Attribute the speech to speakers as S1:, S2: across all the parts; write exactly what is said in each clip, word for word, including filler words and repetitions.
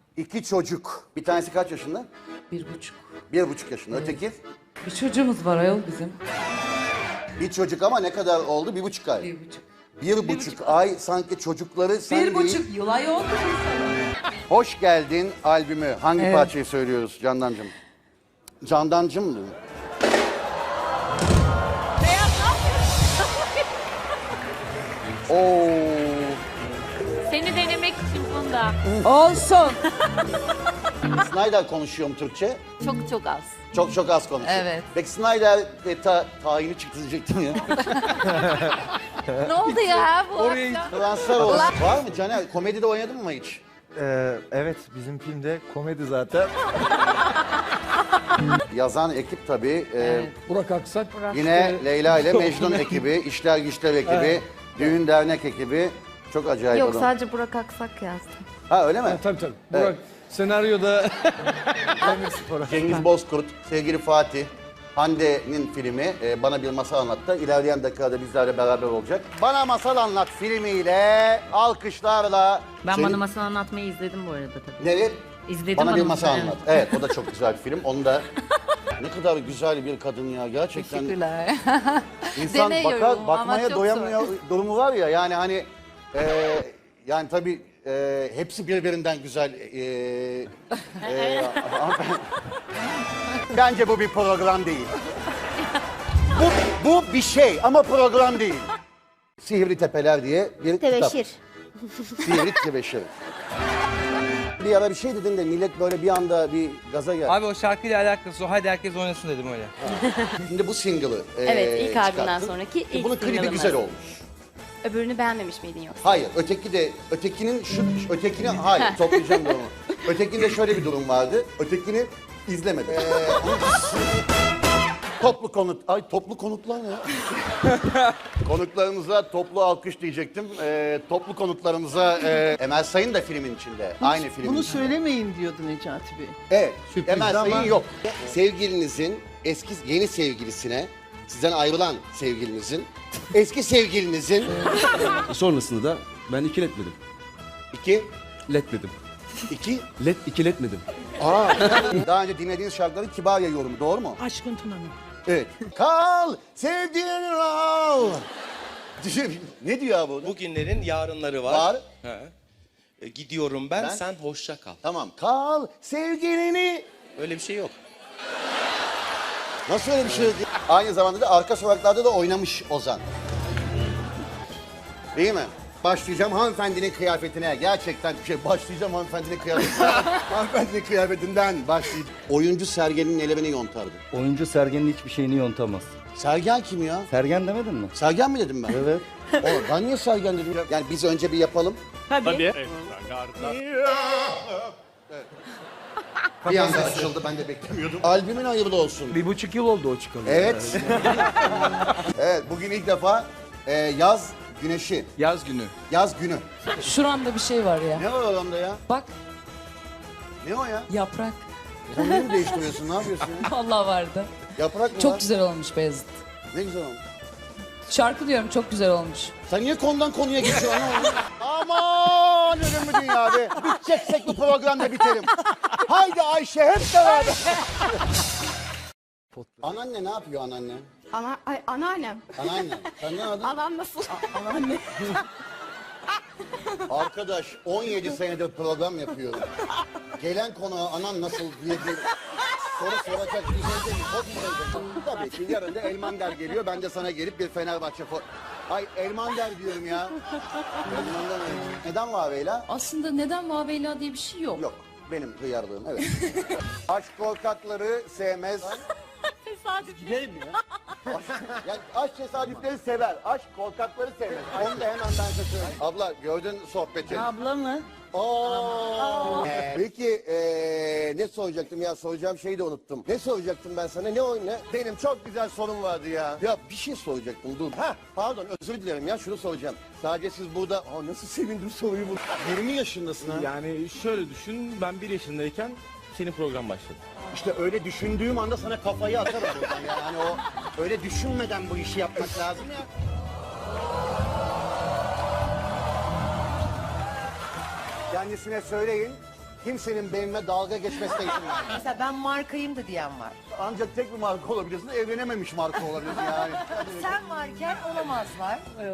S1: İki çocuk. Bir tanesi kaç yaşında?
S2: Bir buçuk.
S1: Bir buçuk yaşında. Öteki?
S2: Bir çocuğumuz var ayol bizim.
S1: Bir çocuk ama ne kadar oldu? Bir buçuk ay.
S2: Bir buçuk.
S1: Bir, buçuk, ay sanki çocukları sen
S2: Bir
S1: değil.
S2: buçuk yıl ayol.
S1: Hoş geldin albümü. Hangi
S2: Evet.
S1: parçayı söylüyoruz Candancığım? Candancığım mı? Oo.
S3: Seni denemek için bunda.
S2: Olsun.
S1: Snyder konuşuyor mu Türkçe?
S3: Çok çok az.
S1: Çok çok az konuşuyor.
S2: Evet.
S1: Peki Snyder ve ta, tayini çıktı diyecektim ya.
S3: Ne oldu ya bu akşam?
S1: Transfer olsun. Var mı Caner? Komedide oynadın mı hiç?
S4: Ee, evet, bizim filmde komedi zaten.
S1: Yazan ekip tabii. Ee,
S2: Evet.
S5: Burak Aksak.
S1: Yine Leyla ile Mecnun ekibi, İşler Güçler ekibi, Düğün Dernek ekibi. Çok acayip
S6: Yok
S1: adam.
S6: sadece Burak Aksak yazdım.
S1: Ha öyle mi?
S5: Ha, tabii tabii.
S1: Evet.
S5: Burak senaryoda
S1: Cengiz Bozkurt, sevgili Fatih, Hande'nin filmi e, Bana Bir Masal Anlat'ta ilerleyen dakikada bizlerle beraber olacak. Bana Masal Anlat filmiyle, alkışlarla...
S7: Ben
S1: Senin-
S7: Bana Masal Anlatmayı izledim bu arada tabii.
S1: Nereye?
S7: İzledim
S1: Bana Bir
S7: Bana
S1: Masal
S7: Masal,
S1: Anlat.
S7: evet.
S1: Evet, o da çok güzel bir film. Onu da... Ne kadar güzel bir kadın ya gerçekten.
S2: Teşekkürler.
S1: İnsan
S2: Deniyorum
S1: bakar,
S2: ama
S1: bakmaya
S2: çok
S1: doyamıyor durumu var ya yani hani e, yani tabii e, hepsi birbirinden güzel. E, e, bence bu bir program değil. bu, bu bir şey ama program değil. Sihirli Tepeler diye bir
S6: Tebeşir.
S1: kitap. Sihirli Tebeşir. Bir ara bir şey dedin de millet böyle bir anda bir gaza geldi.
S8: Abi o şarkıyla alakası o. Hadi herkes oynasın dedim öyle.
S1: Şimdi bu single'ı e,
S6: Evet, ilk albümden
S1: çıkarttın.
S6: sonraki ilk
S1: Bunun klibi
S6: single'ımız.
S1: güzel olmuş.
S6: Öbürünü beğenmemiş miydin yoksa?
S1: Hayır, öteki de, ötekinin şu, ötekini, hayır, toplayacağım durumu. Ötekinde şöyle bir durum vardı, ötekini izlemedim. Ee, toplu konut, ay toplu konutlar ne ya? Konuklarımıza toplu alkış diyecektim. Ee, toplu konutlarımıza, e, Emel Sayın da filmin içinde, aynı filmin
S9: Bunu
S1: içinde.
S9: söylemeyin diyordu Necati Bey.
S1: Evet,
S9: Sürpriz
S1: Emel Sayın
S9: ama-
S1: yok. Sevgilinizin, eski yeni sevgilisine, sizden ayrılan sevgilinizin, eski sevgilinizin,
S10: Sonrasında da ben ikiletmedim.
S1: iki,
S10: Letmedim.
S1: iki,
S10: Let ikiletmedim.
S1: Aa, daha önce dinlediğiniz şarkıların Kibarya yorumu, doğru mu?
S9: Aşkın Tuna'nın.
S1: Evet. Kal, sevdiğin ol. Ne diyor bu?
S11: Bugünlerin yarınları var.
S1: Var.
S11: He. E, gidiyorum ben,
S1: Ben?
S11: sen hoşça kal.
S1: Tamam. Kal, sevgilini.
S11: Öyle bir şey yok.
S1: Nasıl öyle bir şey? Aynı zamanda da arka sokaklarda da oynamış Ozan. Değil mi? Başlayacağım hanımefendinin kıyafetine. Gerçekten bir şey. Başlayacağım hanımefendinin kıyafetine. hanımefendinin kıyafetinden başlayacağım. Oyuncu Sergen'in elevini yontardı.
S4: Oyuncu Sergen'in hiçbir şeyini yontamaz.
S1: Sergen kim ya?
S4: Sergen demedin mi?
S1: Sergen mi dedim ben?
S4: Evet.
S1: Oğlum ben niye Sergen dedim? Yani biz önce bir yapalım.
S9: Tabii.
S1: Bir anda açıldı, ben de beklemiyordum. Albümün hayırlı olsun.
S4: Bir buçuk yıl oldu o çıkalı.
S1: Evet. Evet, bugün ilk defa e, yaz güneşi,
S8: Yaz günü.
S1: yaz günü.
S2: Şuramda bir şey var ya.
S1: Ne var orada ya?
S2: Bak
S1: Ne o ya?
S2: yaprak.
S1: Konuyu mu değiştiriyorsun, ne yapıyorsun ya?
S2: Allah vardı.
S1: Yaprak mı
S2: Çok
S1: var?
S2: güzel olmuş Beyazıt.
S1: Ne güzel olmuş.
S2: Şarkı diyorum çok güzel olmuş.
S1: Sen niye konudan konuya geçiyorsun? Aman ölüm mü dünya be? Biteceksek bu programda biterim. Haydi Ayşe hep beraber. Anneanne ne yapıyor anneanne?
S6: Ana, ay, anneannem.
S1: Anneanne. Sen ne adın?
S6: Anam nasıl?
S9: Anneanne.
S1: Arkadaş on yedi senedir program yapıyorum. Gelen konuğa anan nasıl diye bir soru soracak bir şey değil. Çok güzel. Tabii ki yarın da Elmander geliyor. Ben de sana gelip bir Fenerbahçe fo... Ay Elmander diyorum ya. Elmander. Neden Vaveyla?
S2: Aslında neden Vaveyla diye bir şey yok.
S1: Yok. Benim hıyarlığım evet. Aşk korkakları sevmez.
S9: Gidelim ya.
S1: Yani aşk tesadüfleri sever. Aşk korkakları sevmez. Onu da hemen ben size söyleyeyim. Abla gördün sohbeti.
S9: Abla mı?
S1: Oo. Ee, Peki ee, ne soracaktım ya, soracağım şeyi de unuttum. Ne soracaktım ben sana, ne o ne? Benim çok güzel sorum vardı ya. Ya bir şey soracaktım, dur. Ha pardon, özür dilerim ya, şunu soracağım. Sadece siz burada, aa nasıl sevindim soruyu bu. yirmi yaşındasın ha.
S10: Yani şöyle düşün, ben bir yaşındayken senin program başladı.
S1: İşte öyle düşündüğüm anda sana kafayı atarım buradan ya. Yani o öyle düşünmeden bu işi yapmak lazım ya. Kendisine söyleyin, Kimsenin benimle dalga geçmesine izin vermem.
S9: Mesela ben markayım da diyen var.
S1: Ancak tek bir marka olabilirsin, evlenememiş marka olabilirsin yani.
S9: Sen varken olamazlar.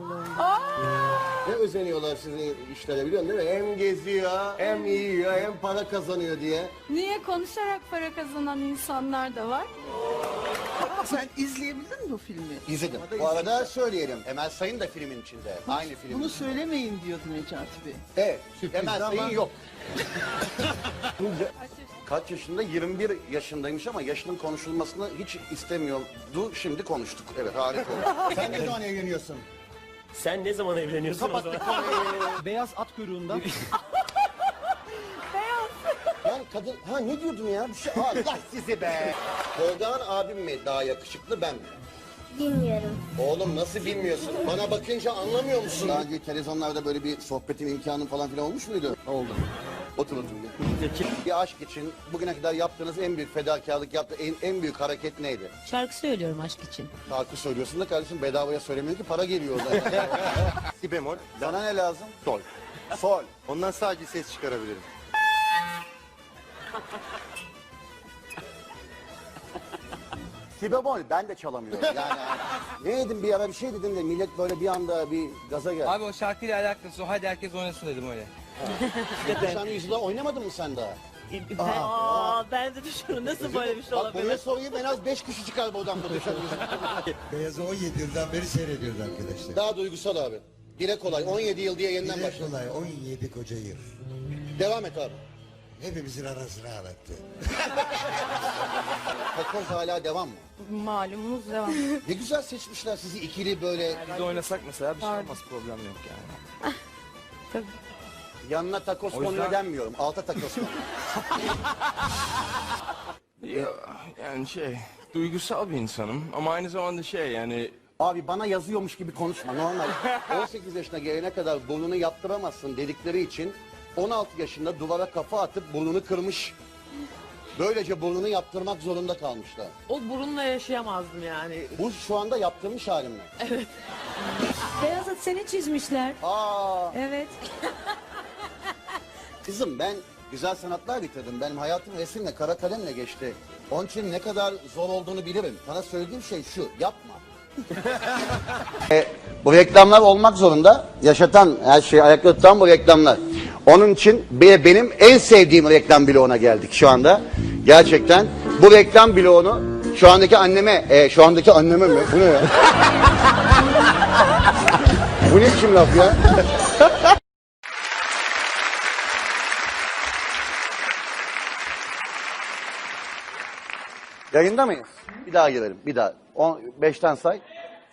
S1: Ne özeniyorlar sizin işlere biliyorsun değil mi? Hem geziyor, hem yiyor, hem para kazanıyor diye.
S6: Niye konuşarak para kazanan insanlar da var?
S9: Sen izleyebildin mi bu filmi?
S1: İzledim. Bu arada söyleyelim, Emel Sayın da filmin içinde. Aynı film.
S9: Bunu söylemeyin diyordu Necati Bey.
S1: Evet, Emel Sayın yok. Kaç yaşında? yirmi bir yaşındaymış ama yaşının konuşulmasını hiç istemiyordu. Şimdi konuştuk. Evet, harika oldu. Sen ne zaman evleniyorsun?
S11: Sen ne zaman evleniyorsun o zaman?
S4: Beyaz at kuyruğundan.
S1: Ben kadın... Ha ne diyordum ya? Bir şey... Allah sizi be! Tolgağan abim mi daha yakışıklı, ben mi?
S6: Bilmiyorum.
S1: Oğlum nasıl bilmiyorsun? Bana bakınca anlamıyor musun? Daha önce televizyonlarda böyle bir sohbetin imkanı falan filan olmuş muydu? Oldu. Otur otur. Bir aşk için bugüne kadar yaptığınız en büyük fedakarlık, yaptığı en, en büyük hareket neydi?
S7: Şarkı söylüyorum aşk için.
S1: Şarkı söylüyorsun da kardeşim, bedavaya söylemiyor ki, para geliyor orada.
S4: Si bemol.
S1: Sana ne lazım?
S4: Sol.
S1: Sol.
S4: Ondan sadece ses çıkarabilirim.
S1: Si bemol ben de çalamıyorum. Yani ne dedim bir ara, bir şey dedim de millet böyle bir anda bir gaza geldi.
S8: Abi o şarkıyla alakası o. Hadi herkes oynasın dedim öyle.
S1: Sen yüzyılda oynamadın mı sen daha?
S9: Aa, ben de düşünüyorum nasıl böyle bir şey
S1: Bak buraya sorayım, en az beş kişi çıkar bu odamda dışarı.
S12: Beyaz'ı on yedi yıldan beri seyrediyoruz arkadaşlar.
S1: Daha duygusal abi. Dile kolay. on yedi yıl diye yeniden
S12: Dile
S1: başladı.
S12: kolay on yedi koca yıl.
S1: Devam et abi.
S12: Hepimizin arasını ağlattı.
S1: Takoz hala devam mı?
S6: Malumunuz devam.
S1: Ne güzel seçmişler sizi ikili böyle.
S8: Biz de oynasak mesela bir şey olmaz, problem yok yani.
S1: Yanına takos
S8: O yüzden-
S1: konuyor denmiyorum. Alta takos konuyor.
S5: Ya, yani şey, duygusal bir insanım ama aynı zamanda şey yani
S1: Abi bana yazıyormuş gibi konuşma normal. on sekiz yaşına gelene kadar burnunu yaptıramazsın dedikleri için on altı yaşında duvara kafa atıp burnunu kırmış. Böylece burnunu yaptırmak zorunda kalmışlar.
S9: O burunla yaşayamazdım yani.
S1: Bu şu anda yaptırmış halim mi?
S7: Beyazıt seni çizmişler.
S1: Aa,
S7: Evet.
S1: kızım ben güzel sanatlar bitirdim. Benim hayatım resimle, kara kalemle geçti. Onun için ne kadar zor olduğunu bilirim. Sana söylediğim şey şu, yapma. e, bu reklamlar olmak zorunda. Yaşatan, her şeyi ayakta tutan bu reklamlar. Onun için be- benim en sevdiğim reklam bloğuna geldik şu anda. Gerçekten bu reklam bloğunu şu andaki anneme, e, şu andaki anneme mi? Bu ne ya? Bu ne biçim laf ya? Yayında mıyız? Bir daha girelim. Bir daha. On, beşten say.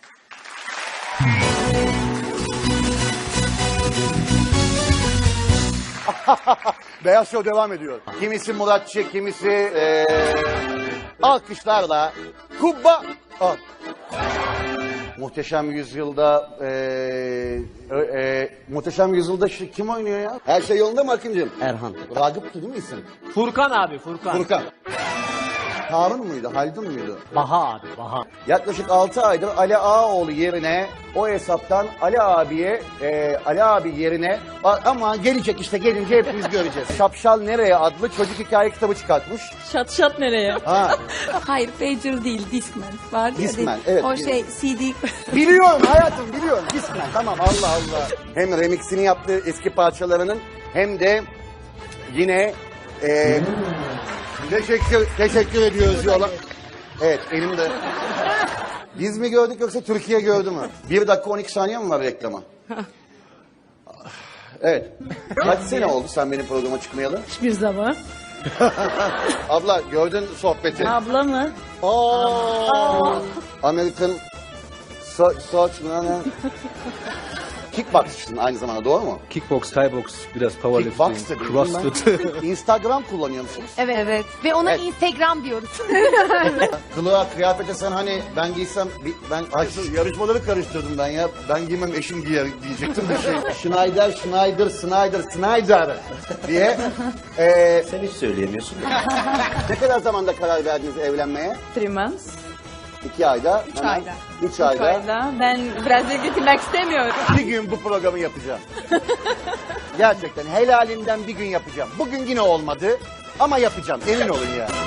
S1: Beyaz Show devam ediyor. Kimisi Muratçı, kimisi ee, alkışlarla Kubba. Al. Muhteşem Yüzyılda ee, e, e, Muhteşem Yüzyılda şu, kim oynuyor ya? Her şey yolunda mı Akıncığım?
S4: Erhan.
S1: Ragıp'tı değil mi isim?
S8: Furkan abi, Furkan.
S1: Furkan. Harun muydu? Haldun muydu?
S8: Baha abi, Baha.
S1: Yaklaşık altı aydır Ali Ağaoğlu yerine o hesaptan Ali abiye, e, Ali abi yerine a- ama gelecek işte gelince hepimiz göreceğiz. Şapşal Nereye adlı çocuk hikaye kitabı çıkartmış.
S7: Şat şat nereye?
S1: Ha,
S6: Hayır, pager değil, Discman. Var ya,
S1: Discman, evet.
S6: O şey, C D.
S1: biliyorum hayatım biliyorum. Discman tamam Allah Allah. Hem remixini yaptığı eski parçalarının hem de yine e, teşekkür teşekkür ediyoruz yola. Evet elimde. Biz mi gördük yoksa Türkiye gördü mü? bir dakika on iki saniye mi var reklama? Evet. Kaç sene oldu sen benim programa çıkmayalı?
S7: Hiçbir zaman.
S1: Abla gördün sohbeti.
S7: Abla mı?
S1: Aa, American so Search Kickboxçısın aynı zamanda doğru mu?
S4: Kickbox, Thai box, biraz powerlifting,
S1: Kickbox dedim.
S4: crossfit.
S1: Instagram kullanıyor musunuz?
S6: Evet, evet. Ve ona
S1: Evet.
S6: Instagram diyoruz.
S1: Kılığa, kıyafete sen hani ben giysem, bi- ben ay, şu yarışmaları karıştırdım ben ya. Ben giymem eşim giyer diyecektim bir şey. Schneider, Schneider, Schneider, Schneider diye. Ee,
S11: Sen hiç söyleyemiyorsun.
S1: ne kadar zamanda karar verdiniz evlenmeye?
S2: Three months.
S1: İki ayda.
S6: Üç
S1: hemen-
S6: ayda.
S1: Üç ayda.
S6: Ben biraz getirmek istemiyorum.
S1: Bir gün bu programı yapacağım. Gerçekten helalinden bir gün yapacağım. Bugün yine olmadı ama yapacağım. Emin olun ya.